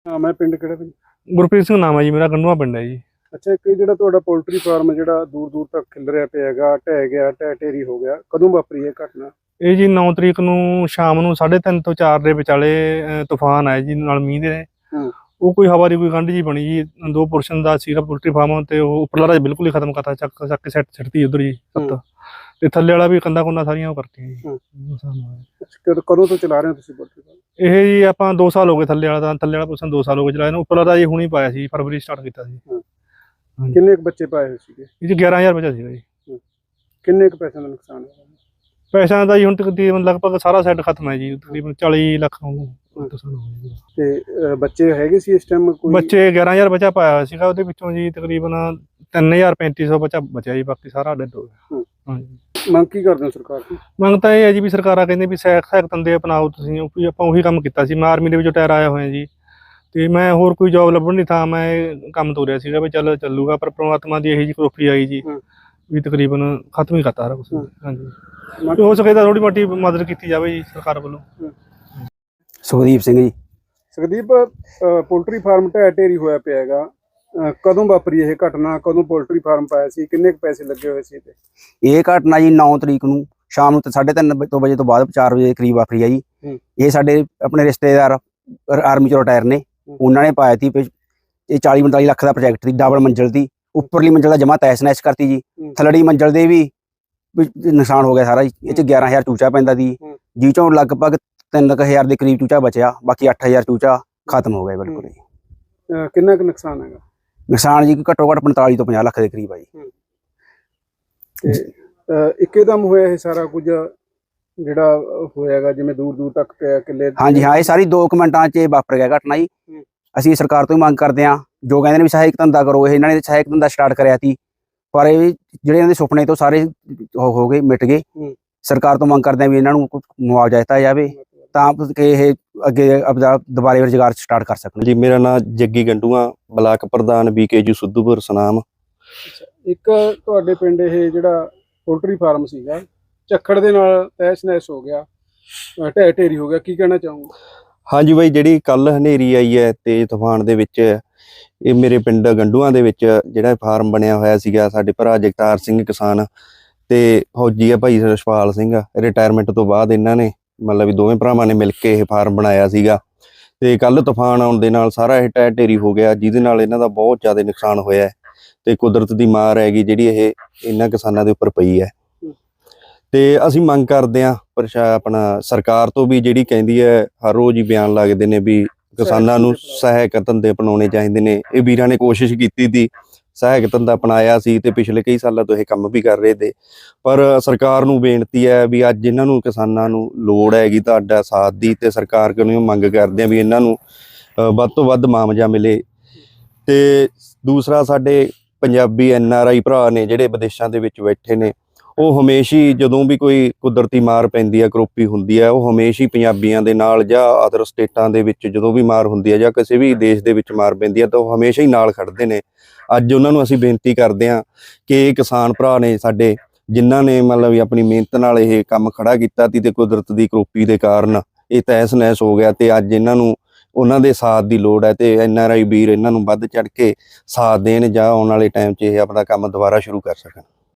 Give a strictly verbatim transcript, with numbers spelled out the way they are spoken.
हाँ मैं पिंड किहड़ा भाई? गुरप्रीत सिंह नाम है जी मेरा, गंडूआ पिंड है जी। अच्छा, एक ਜਿਹੜਾ ਤੁਹਾਡਾ ਪੋਲਟਰੀ ਫਾਰਮ ਜਿਹੜਾ ਦੂਰ ਦੂਰ ਤੱਕ ਖਿਲ ਰਿਹਾ ਪਿਆ ਹੈਗਾ, ਢਹਿ ਗਿਆ, ਢਹਿ ਢੇਰੀ ਹੋ ਗਿਆ, ਕਦੋਂ ਵਾਪਰੀ ਇਹ ਘਟਨਾ? ਇਹ ਜੀ ਨੌ ਤਰੀਕ ਨੂੰ ਸ਼ਾਮ ਨੂੰ ਸਾਢੇ ਤਿੰਨ ਤੋਂ ਚਾਰ ਦੇ ਵਿਚਾਲੇ ਅਹ, ਤੂਫਾਨ ਆਇਆ ਜੀ ਨਾਲ ਮੀਂਹ ਦੇ। ਹੂੰ। ਉਹ ਕੋਈ ਹਵਾ ਦੀ ਕੋਈ ਗੰਢ ਜੀ ਬਣੀ ਜੀ, ਦੋ ਪੁਰਸ਼ਨ ਦਾ ਸੀਗਾ ਪੋਲਟਰੀ ਫਾਰਮ ਤੇ ਉਹ ਉੱਪਰਲਾ ਰਾਜ ਬਿਲਕੁਲ ਹੀ ਖਤਮ ਕਰਤਾ, ਚੱਕ ਚੱਕ ਕੇ ਸੈੱਟ ਛੱਡਤੀ ਉਧਰ ਜੀ ਸੱਤ, ਤੇ ਥੱਲੇ ਵਾਲਾ ਵੀ ਕੰਦਾ ਕੁੰਦਾ ਸਾਰੀਆਂ ਉਹ ਕਰਤੀਆਂ ਜੀ। ਨੁਕਸਾਨ ਹੋਇਆ। ਅੱਛਾ, ਕਦੋਂ ਕਦੋਂ ਤੋਂ ਚਲਾ ਰਹੇ ਹੋ ਤੁਸੀਂ ਪੋਲਟਰੀ ਫਾਰਮ? ਇਹ ਜੀ ਆਪਾਂ ਦੋ ਸਾਲ ਹੋ ਗਏ, ਥੱਲੇ ਵਾਲਾ ਤਾਂ ਥੱਲੇ ਵਾਲਾ ਪੁਰਸ਼ਨ ਦੋ ਸਾਲ ਹੋ ਗਏ ਚਲਾਏ ਨੂੰ, ਉੱਪਰਲਾ ਤਾਂ ਜੀ ਹੁਣੀ ਪਾਇਆ ਸੀ, ਫਰਵਰੀ ਸਟਾਰਟ ਕੀਤਾ ਸੀ। ਕਿੰਨੇ ਕੁ ਬੱਚੇ ਪਾਏ ਹੋਏ ਸੀਗੇ? ਇਹ ਜੀ ਗਿਆਰਾਂ ਹਜ਼ਾਰ ਬਚਾ ਸੀਗਾ ਜੀ। ਕਿੰਨੇ ਕੁ ਪੈਸੇ ਦਾ ਨੁਕਸਾਨ ਹੋਇਆ? ਪੈਸਿਆਂ ਦਾ ਜੀ ਹੁਣ ਤਕਰੀਬਨ ਲਗਭਗ ਸਾਰਾ ਸੈੱਟ ਖਤਮ ਹੈ ਜੀ, ਤਕਰੀਬਨ ਚਾਲੀ ਲੱਖ ਨੁਕਸਾਨ ਹੋ ਗਿਆ। ਤੇ ਅਹ, ਬੱਚੇ ਹੈਗੇ ਸੀ ਇਸ ਟਾਈਮ ਕੋਈ? ਬੱਚੇ ਗਿਆਰਾਂ ਹਜ਼ਾਰ ਬਚਾ ਪਾਇਆ ਹੋਇਆ ਸੀਗਾ, ਉਹਦੇ ਵਿੱਚੋਂ ਜੀ ਤਕਰੀਬਨ ਤਿੰਨ ਹਜ਼ਾਰ ਪੈਂਤੀ ਸੌ ਬਚਾ ਬਚਿਆ ਜੀ, ਬਾਕੀ ਸਾਰਾ ਡੈਡ ਹੋ ਗਿਆ। ਹਾਂਜੀ, ਮੰਗ ਕੀ ਕਰਦੇ ਹੋ ਸਰਕਾਰ ਤੋਂ? ਮੰਗ ਤਾਂ ਇਹ ਹੈ ਜੀ ਵੀ ਸਰਕਾਰਾਂ ਕਹਿੰਦੇ ਵੀ ਸਹਾਇਕ ਸਹਾਇਕ ਧੰਦੇ ਅਪਣਾਓ ਤੁਸੀਂ, ਵੀ ਆਪਾਂ ਉਹੀ ਕੰਮ ਕੀਤਾ ਸੀ। ਮੈਂ ਆਰਮੀ ਦੇ ਵਿੱਚੋਂ ਟਾਇਰ ਆਇਆ ਹੋਇਆ ਜੀ, ਤੇ ਮੈਂ ਹੋਰ ਕੋਈ ਜੋਬ ਲੱਭਣ ਨਹੀਂ ਥਾ, ਮੈਂ ਇਹ ਕੰਮ ਤੋਰਿਆ ਸੀਗਾ ਵੀ ਚੱਲ ਚੱਲੂਗਾ, ਪਰ ਪ੍ਰਮਾਤਮਾ ਦੀ ਇਹੀ ਜਿਹੀ ਕਰੋਪੀ ਆਈ ਜੀ ਵੀ ਤਕਰੀਬਨ ਖਤਮ ਹੀ ਕਰਤਾ ਸਾਰਾ ਕੁਛ। ਹਾਂਜੀ, ਹੋ ਸਕੇ ਤਾਂ ਥੋੜੀ ਮੋਟੀ ਮਦਦ ਕੀਤੀ ਜਾਵੇ ਜੀ ਸਰਕਾਰ ਵੱਲੋਂ। ਸੁਖਦੀਪ ਸਿੰਘ ਜੀ। ਸੁਖਦੀਪ, ਪੋਲਟਰੀ ਫਾਰਮ ਢਹਿ ਢੇਰੀ ਹੋਇਆ ਪਿਆ ਹੈਗਾ, ਅਹ, ਕਦੋਂ ਵਾਪਰੀ ਇਹ ਘਟਨਾ? ਕਦੋਂ ਪੋਲਟਰੀ ਫਾਰਮ ਪਾਇਆ ਸੀ? ਕਿੰਨੇ ਕੁ ਪੈਸੇ ਲੱਗੇ ਹੋਏ ਸੀ ਤੇ? ਇਹ ਘਟਨਾ ਜੀ ਨੌ ਤਰੀਕ ਨੂੰ ਸ਼ਾਮ ਨੂੰ ਸਾਢੇ ਤਿੰਨ ਤੋਂ ਵਜੇ ਤੋਂ ਬਾਅਦ ਚਾਰ ਵਜੇ ਕਰੀਬ ਵਾਪਰੀ ਆ ਜੀ। ਇਹ ਸਾਡੇ ਆਪਣੇ ਰਿਸ਼ਤੇਦਾਰ ਆਰਮੀ ਚੋਂ ਰਿਟਾਇਰ ਨੇ, ਉਹਨਾਂ ਨੇ ਪਾਇਆ ਸੀ। ਇਹ ਚਾਲੀ ਪੰਤਾਲੀ ਲੱਖ ਦਾ ਪ੍ਰੋਜੈਕਟ ਸੀ, ਡਬਲ ਮੰਜ਼ਿਲ ਦੀ। ਉੱਪਰਲੀ ਮੰਜ਼ਿਲ ਦਾ ਜਮਾ ਤੈਸ ਨੈਸ ਕਰਤੀ ਜੀ, ਥੱਲੜੀ ਮੰਜ਼ਿਲ ਦੇ ਵੀ ਨੁਕਸਾਨ ਹੋ ਗਿਆ ਸਾਰਾ ਜੀ। ਇਹ ਚ ਗਿਆਰਾਂ ਹਜ਼ਾਰ ਚੂਚਾ ਪੈਂਦਾ ਸੀ, ਜਿਹ ਚੋਂ ਲਗਭਗ ਤਿੰਨ ਕੁ ਹਜ਼ਾਰ ਦੇ ਕਰੀਬ ਚੂਚਾ ਬਚਿਆ, ਬਾਕੀ ਅੱਠ ਹਜ਼ਾਰ ਚੂਚਾ ਖਤਮ ਹੋ ਗਿਆ ਬਿਲਕੁਲ ਜੀ। ਕਿੰਨਾ ਕੁ ਨੁਕਸਾਨ ਹੈਗਾ? ਨੁਕਸਾਨ ਜੀ ਘੱਟੋ ਘੱਟ ਪੰਤਾਲੀ ਤੋਂ ਪੰਜਾਹ ਲੱਖ ਦੇ ਕਰੀਬ ਆ ਜੀ। ਤੇ ਇੱਕਦਮ ਹੋਇਆ ਇਹ ਸਾਰਾ ਕੁਝ ਜਿਹੜਾ ਹੋਇਆਗਾ, ਜਿਵੇਂ ਦੂਰ ਦੂਰ ਤੱਕ ਪਿਆ ਕਿੱਲੇ? ਹਾਂਜੀ ਹਾਂ, ਇਹ ਸਾਰੀ ਦੋ ਕੁ ਮਿੰਟਾਂ 'ਚ ਵਾਪਰ ਗਿਆ ਘਟਨਾ ਜੀ। ਅਸੀਂ ਸਰਕਾਰ ਤੋਂ ਹੀ ਮੰਗ ਕਰਦੇ ਹਾਂ, ਜੋ ਕਹਿੰਦੇ ਨੇ ਵੀ ਸਹਾਇਕ ਧੰਦਾ ਕਰੋ, ਇਹ ਇਹਨਾਂ ਨੇ ਸਹਾਇਕ ਧੰਦਾ ਸਟਾਰਟ ਕਰਿਆ ਸੀ, ਪਰ ਇਹ ਜਿਹੜੇ ਇਹਨਾਂ ਦੇ ਸੁਪਨੇ ਤੋਂ ਸਾਰੇ ਹੋ ਗਏ, ਮਿਟ ਗਏ। ਸਰਕਾਰ ਤੋਂ ਮੰਗ ਕਰਦੇ ਹਾਂ ਵੀ ਇਹਨਾਂ ਨੂੰ ਮੁਆਵਜ਼ਾ ਦਿੱਤਾ ਜਾਵੇ ਤਾਂ ਕਿ ਇਹ ਅੱਗੇ ਆਪਦਾ ਦੁਬਾਰੇ ਰੁਜ਼ਗਾਰ ਸਟਾਰਟ ਕਰ ਸਕਣ। ਜੀ ਮੇਰਾ ਨਾਮ ਜੱਗੀ ਗੰਡੂਆ, ਬਲਾਕ ਪ੍ਰਧਾਨ ਬੀਕੇਯੂ ਸੁੱਧੂਪੁਰ ਸਨਾਮ। ਇੱਕ ਤੁਹਾਡੇ ਪਿੰਡ ਇਹ ਜਿਹੜਾ ਪੋਲਟਰੀ ਫਾਰਮ ਸੀਗਾ, ਝੱਖੜ ਦੇ ਨਾਲ ਤਹਿਸ ਨਹਿਸ ਹੋ ਗਿਆ, ਢਹਿ ਢੇਰੀ ਹੋ ਗਿਆ, ਕੀ ਕਹਿਣਾ ਚਾਹੋਗੇ? ਹਾਂਜੀ ਬਾਈ, ਜਿਹੜੀ ਕੱਲ ਹਨੇਰੀ ਆਈ ਹੈ ਤੇਜ਼ ਤੂਫਾਨ ਦੇ ਵਿੱਚ, ਇਹ ਮੇਰੇ ਪਿੰਡ ਗੰਡੂਆਂ ਦੇ ਵਿੱਚ ਜਿਹੜਾ ਫਾਰਮ ਬਣਿਆ ਹੋਇਆ ਸੀਗਾ, ਸਾਡੇ ਭਰਾ ਜਗਤਾਰ ਸਿੰਘ ਕਿਸਾਨ ਤੇ ਫੌਜੀ ਆ ਭਾਈ ਰਸ਼ਪਾਲ ਸਿੰਘ, ਰਿਟਾਇਰਮੈਂਟ ਤੋਂ ਬਾਅਦ ਇਹਨਾਂ ਨੇ ਮਤਲਬ ਵੀ ਦੋਵੇਂ ਭਰਾਵਾਂ ਨੇ ਮਿਲ ਕੇ ਇਹ ਫਾਰਮ ਬਣਾਇਆ ਸੀਗਾ। ਤੇ ਕੱਲ ਤੂਫਾਨ ਆਉਣ ਦੇ ਨਾਲ ਸਾਰਾ ਇਹ ਢਹਿ ਢੇਰੀ ਹੋ ਗਿਆ, ਜਿਹਦੇ ਨਾਲ ਇਹਨਾਂ ਦਾ ਬਹੁਤ ਜ਼ਿਆਦਾ ਨੁਕਸਾਨ ਹੋਇਆ ਤੇ ਕੁਦਰਤ ਦੀ ਮਾਰ ਹੈਗੀ ਜਿਹੜੀ ਇਹ ਇਹਨਾਂ ਕਿਸਾਨਾਂ ਦੇ ਉੱਪਰ ਪਈ ਹੈ। ਤੇ ਅਸੀਂ ਮੰਗ ਕਰਦੇ ਹਾਂ ਪ੍ਰਸ਼ਾ ਆਪਣਾ ਸਰਕਾਰ ਤੋਂ ਵੀ, ਜਿਹੜੀ ਕਹਿੰਦੀ ਹੈ ਹਰ ਰੋਜ਼ ਹੀ ਬਿਆਨ ਲੱਗਦੇ ਨੇ ਵੀ ਕਿਸਾਨਾਂ ਨੂੰ ਸਹਾਇਕ ਧੰਦੇ ਅਪਣਾਉਣੇ ਚਾਹੀਦੇ ਨੇ। ਇਹ ਵੀਰਾਂ ਨੇ ਕੋਸ਼ਿਸ਼ ਕੀਤੀ ਸੀ, ਸਹਾਇਕ ਧੰਦਾ ਅਪਣਾਇਆ ਸੀ ਤੇ ਪਿਛਲੇ ਕਈ ਸਾਲਾਂ ਤੋਂ ਇਹ ਕੰਮ ਵੀ ਕਰ ਰਹੇ ਤੇ, ਪਰ ਸਰਕਾਰ ਨੂੰ ਬੇਨਤੀ ਹੈ ਵੀ ਅੱਜ ਇਹਨਾਂ ਨੂੰ ਕਿਸਾਨਾਂ ਨੂੰ ਲੋੜ ਹੈਗੀ ਤੁਹਾਡਾ ਸਾਥ ਦੀ, ਤੇ ਸਰਕਾਰ ਕੋਲੋਂ ਮੰਗ ਕਰਦੇ ਆ ਵੀ ਇਹਨਾਂ ਨੂੰ ਵੱਧ ਤੋਂ ਵੱਧ ਮੁਆਵਜ਼ਾ ਮਿਲੇ। ਤੇ ਦੂਸਰਾ, ਸਾਡੇ ਪੰਜਾਬੀ ਐਨ ਆਰ ਆਈ ਭਰਾ ਨੇ ਜਿਹੜੇ ਵਿਦੇਸ਼ਾਂ ਦੇ ਵਿੱਚ ਬੈਠੇ ਨੇ, ਉਹ ਹਮੇਸ਼ਾ ਹੀ ਜਦੋਂ ਵੀ ਕੋਈ ਕੁਦਰਤੀ ਮਾਰ ਪੈਂਦੀ ਹੈ, ਕਰੋਪੀ ਹੁੰਦੀ ਹੈ, ਉਹ ਹਮੇਸ਼ਾ ਹੀ ਪੰਜਾਬੀਆਂ ਦੇ ਨਾਲ ਜਾਂ ਅਦਰ ਸਟੇਟਾਂ ਦੇ ਵਿੱਚ ਜਦੋਂ ਵੀ ਮਾਰ ਹੁੰਦੀ ਹੈ ਜਾਂ ਕਿਸੇ ਵੀ ਦੇਸ਼ ਦੇ ਵਿੱਚ ਮਾਰ ਪੈਂਦੀ ਹੈ ਤਾਂ ਉਹ ਹਮੇਸ਼ਾ ਹੀ ਨਾਲ ਖੜਦੇ ਨੇ। ਅੱਜ ਉਹਨਾਂ ਨੂੰ ਅਸੀਂ ਬੇਨਤੀ ਕਰਦੇ ਹਾਂ ਕਿ ਇਹ ਕਿਸਾਨ ਭਰਾ ਨੇ ਸਾਡੇ, ਜਿਨ੍ਹਾਂ ਨੇ ਮਤਲਬ ਵੀ ਆਪਣੀ ਮਿਹਨਤ ਨਾਲ ਇਹ ਕੰਮ ਖੜਾ ਕੀਤਾ ਸੀ ਤੇ ਕੁਦਰਤ ਦੀ ਕਰੋਪੀ ਦੇ ਕਾਰਨ ਇਹ ਤਹਿਸ ਨਹਿਸ ਹੋ ਗਿਆ, ਤੇ ਅੱਜ ਇਹਨਾਂ ਨੂੰ ਉਹਨਾਂ ਦੇ ਸਾਥ ਦੀ ਲੋੜ ਹੈ ਤੇ ਐਨ ਆਰ ਆਈ ਵੀਰ ਇਹਨਾਂ ਨੂੰ ਵੱਧ ਚੜ੍ਹ ਕੇ ਸਾਥ ਦੇਣ ਜਾਂ ਆਉਣ ਵਾਲੇ ਟਾਈਮ 'ਚ ਇਹ ਆਪਣਾ ਕੰਮ ਦੁਬਾਰਾ ਸ਼ੁਰੂ ਕਰ ਸਕਣ।